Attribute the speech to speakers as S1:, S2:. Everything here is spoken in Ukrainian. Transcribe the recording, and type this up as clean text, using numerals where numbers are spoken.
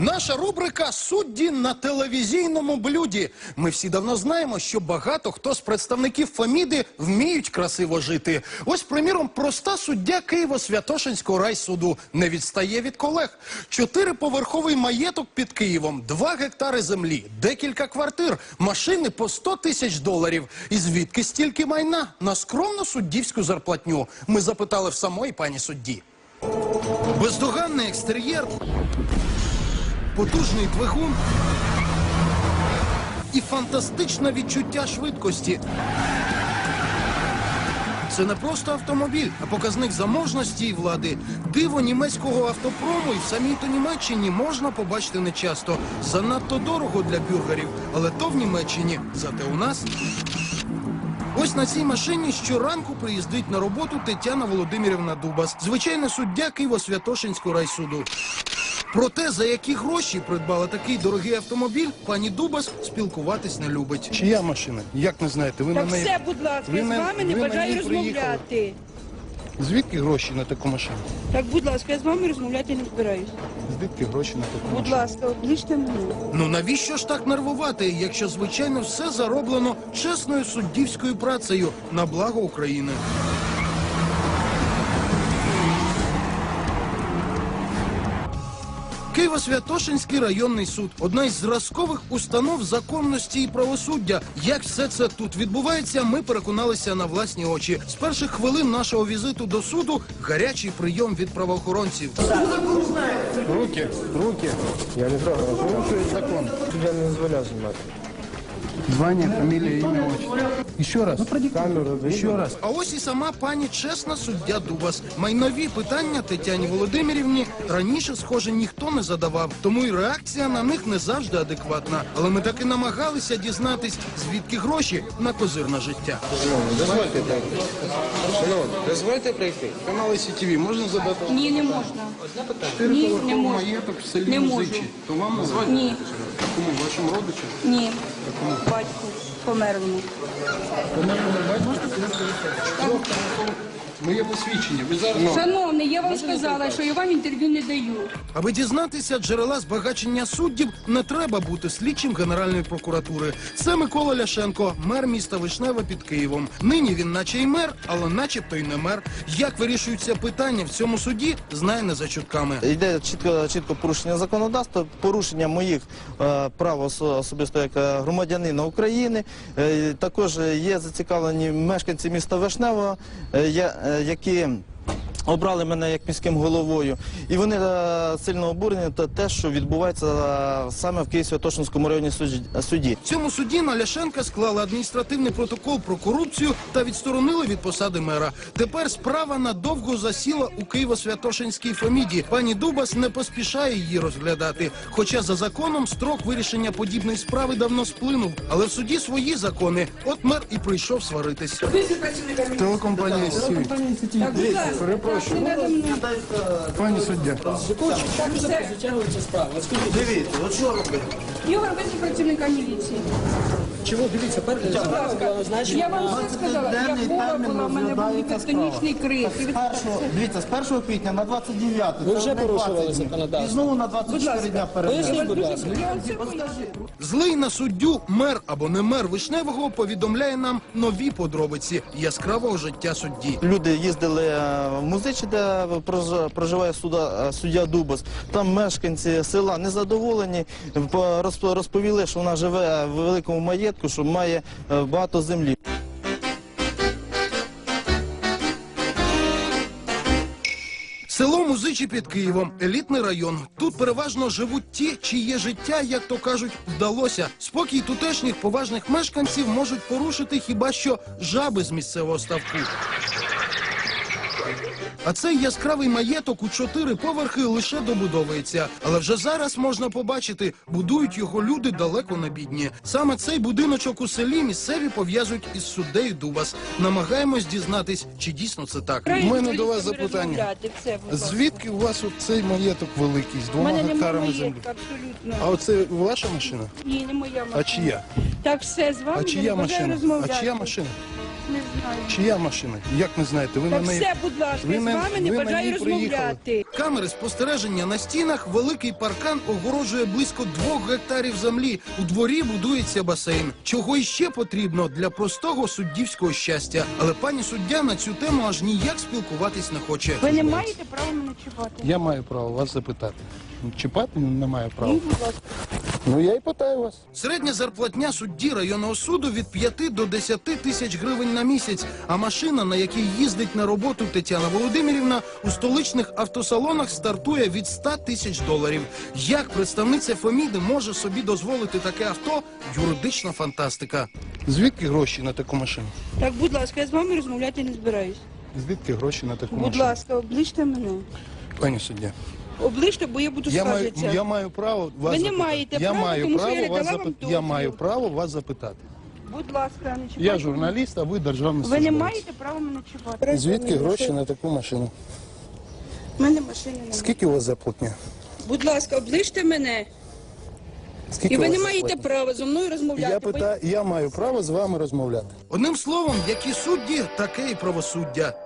S1: Наша рубрика «Судді на телевізійному блюді». Ми всі давно знаємо, що багато хто з представників Феміди вміють красиво жити. Ось, приміром, проста суддя Києво-Святошинського райсуду не відстає від колег. 4-поверховий маєток під Києвом, 2 гектари землі, декілька квартир, машини по 100 тисяч доларів. І звідки стільки майна? На скромну суддівську зарплатню. Ми запитали в самої пані судді. Бездоганний екстер'єр, потужний двигун і фантастичне відчуття швидкості. Це не просто автомобіль, а показник заможності і влади. Диво німецького автопрому і в самій-то Німеччині можна побачити нечасто. Занадто дорого для бюргерів, але то в Німеччині, зате у нас. Ось на цій машині щоранку приїздить на роботу Тетяна Володимирівна Дубас, звичайна суддя Києво-Святошинського райсуду. Про те, за які гроші придбала такий дорогий автомобіль, пані Дубас спілкуватись не любить. Чия машина? Як не знаєте? Ви
S2: Так
S1: на неї...
S2: все, будь ласка, я з вами не бажаю розмовляти.
S1: Звідки гроші на таку машину?
S2: Так, будь ласка, я з вами розмовляти не збираюсь.
S1: Звідки гроші на таку машину?
S2: Будь ласка, обличте мене.
S1: Ну навіщо ж так нервувати, якщо, звичайно, все зароблено чесною суддівською працею на благо України? Києво-Святошинський районний суд – одна із зразкових установ законності і правосуддя. Як все це тут відбувається, ми переконалися на власні очі. З перших хвилин нашого візиту до суду – гарячий прийом від правоохоронців.
S3: Руки. Я не трогаю. Порушує закон. Я не дозволяв знімати.
S1: Звання, фамілія, ім'я, отчество. Ще раз.
S3: Камеру,
S1: Ще раз. А ось і сама пані чесна суддя Дубас. Майнові питання Тетяні Володимирівні раніше, схоже, ніхто не задавав. Тому і реакція на них не завжди адекватна. Але ми таки намагалися дізнатись, звідки гроші на козирне життя.
S3: Дозвольте пройти. Шановні, дозвольте пройти.
S1: Канал СІТВ можна задати?
S2: Ні, не можна. Ні, не можна.
S1: Маєток в селі
S2: Не можу.
S1: Музичі. То вам назвати?
S2: Ні,
S1: Кому? Вашому родичу?
S2: ні. Батьку померлому.
S1: Моє посвідчення. Ви зараз...
S2: Шановний, я вам сказала, що я вам інтерв'ю не даю.
S1: Аби дізнатися джерела збагачення суддів, не треба бути слідчим Генеральної прокуратури. Це Микола Ляшенко, мер міста Вишневе під Києвом. Нині він наче й мер, але начебто й не мер. Як вирішуються питання в цьому суді, знає не за чутками.
S4: Йде чітко порушення законодавства, порушення моїх прав особисто як громадянина України. Також є зацікавлені мешканці міста Вишневого, які обрали мене як міським головою. І вони сильно обурені те, що відбувається саме в Києво-Святошинському районній суді.
S1: В цьому суді на Ляшенка склали адміністративний протокол про корупцію та відсторонили від посади мера. Тепер справа надовго засіла у Києво-Святошинській Феміді. Пані Дубас не поспішає її розглядати. Хоча за законом строк вирішення подібної справи давно сплинув. Але в суді свої закони. От мер і прийшов сваритись. Телекомпанія СІТВ.
S2: Так, будь ласка, так, не треба мене.
S1: Пані суддя.
S2: Так, все.
S4: Дивіться, от що робити?
S2: Ігор, визвіть працівника міліції.
S5: Чого? Дивіться,
S2: Будь ласка, я вам все сказала, я хвора була, в мене був тектонічний криз.
S4: Дивіться, з 1 квітня на 29.
S5: ви вже порушували законодавство.
S4: І знову на 24 дня перенесли.
S5: Поясніть, будь ласка.
S1: Злий на суддю мер або не мер Вишневого повідомляє нам нові подробиці яскравого життя судді.
S4: Люди їздили в Музичі, де проживає суддя Дубас. Там мешканці села незадоволені, розповіли, що вона живе в великому маєтку, що має багато землі.
S1: Село Музичі під Києвом – елітний район. Тут переважно живуть ті, чиє життя, як то кажуть, вдалося. Спокій тутешніх поважних мешканців можуть порушити хіба що жаби з місцевого ставку. А цей яскравий маєток у 4 поверхи лише добудовується. Але вже зараз можна побачити, будують його люди далеко не бідні. Саме цей будиночок у селі місцеві пов'язують із суддею Дубас. Намагаємось дізнатись, чи дійсно це так. У мене до вас запитання. Звідки у вас цей маєток великий, з 2 гектарами землі?
S2: Абсолютно.
S1: А оце ваша машина?
S2: Ні, не моя машина.
S1: А чия?
S2: Так, все, з вами
S1: А
S2: я
S1: чия
S2: не бажаю
S1: машина?
S2: розмовляти.
S1: А чия машина?
S2: Не знаю.
S1: Чия машина? Як не знаєте? Ви
S2: Так
S1: на неї...
S2: все, будь ласка,
S1: ви
S2: я з
S1: на-
S2: вами не
S1: ви на
S2: бажаю
S1: ній приїхали.
S2: розмовляти.
S1: Камери спостереження на стінах, великий паркан огорожує близько 2 гектарів землі. У дворі будується басейн. Чого іще потрібно для простого суддівського щастя. Але пані суддя на цю тему аж ніяк спілкуватись не хоче.
S2: Ви не маєте права мене чіпати.
S3: Я маю право вас запитати. Чіпати не маю права.
S2: Ну, будь ласка.
S3: Ну я і питаю вас.
S1: Середня зарплатня судді районного суду від 5 до 10 тисяч гривень на місяць. А машина, на якій їздить на роботу Тетяна Володимирівна, у столичних автосалонах стартує від 100 тисяч доларів. Як представниця Феміди може собі дозволити таке авто? Юридична фантастика.
S3: Звідки гроші на таку машину?
S2: Так, будь ласка, я з вами розмовляти не збираюсь.
S3: Звідки гроші на таку
S2: Будь
S3: машину?
S2: ласка, обличте мене.
S3: Пані суддя.
S2: Обличте, бо я буду скаржитися.
S3: Я маю право вас
S2: Ви не
S3: запитати.
S2: маєте
S3: я
S2: права,
S3: маю
S2: тому що
S3: право
S2: я не
S3: вас
S2: дала вам
S3: Я
S2: дозвіл.
S3: маю право вас запитати.
S2: Будь ласка, не чіпайте.
S3: Я журналіст, а ви державний
S2: Ви
S3: службовець.
S2: не маєте права мене чіпати.
S3: Звідки гроші на таку машину?
S2: У мене машини немає.
S3: Скільки у вас зарплатня?
S2: Будь ласка, обличте мене.
S3: Скільки
S2: І ви
S3: у вас
S2: не маєте
S3: зарплатня?
S2: права зі мною розмовляти.
S3: Я питаю, я маю право з вами розмовляти.
S1: Одним словом, які судді, таке і правосуддя.